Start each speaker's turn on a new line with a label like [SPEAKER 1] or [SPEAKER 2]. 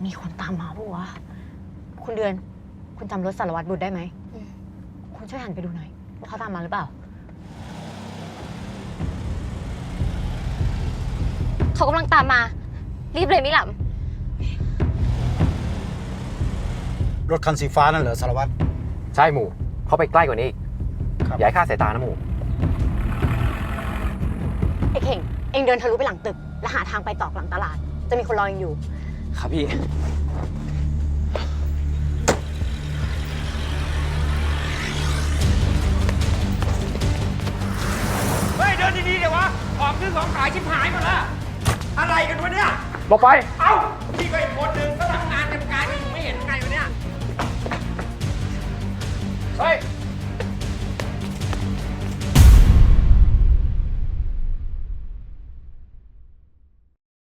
[SPEAKER 1] มีคนตามมาปะวะคุณเดือนคุณจำรถสารวัตรบุตรได้ไหมคุณช่วยหันไปดูหน่อยว่าเขาตามมาหรือเปล่า
[SPEAKER 2] เขากำลังตามมารีบเลยมิหล
[SPEAKER 3] รถคันสีฟ้านั่นเหรอสารวัตร
[SPEAKER 4] ใช่หมูเขาไปใกล้กว่านี้อีก
[SPEAKER 3] ครับ
[SPEAKER 4] อย่าให้คลาดสายตานะหมู
[SPEAKER 1] ไอ้เข่งเองเดินทะลุไปหลังตึกแล้วหาทางไปตอกหลังตลาดจะมีคนรอเองอยู่
[SPEAKER 4] ครับพี่
[SPEAKER 5] เฮ้ยเดินดีๆเดี๋ยววะของซื้อของขายชิบหายหมดละอะไรกันวะเนี่ย
[SPEAKER 4] บอกไป
[SPEAKER 5] เอ้าพี่ก็อีกคนนึงก็ทำงานกันกายก็อยู่ไม่เห็นไงวะเนี่ยเฮ้ย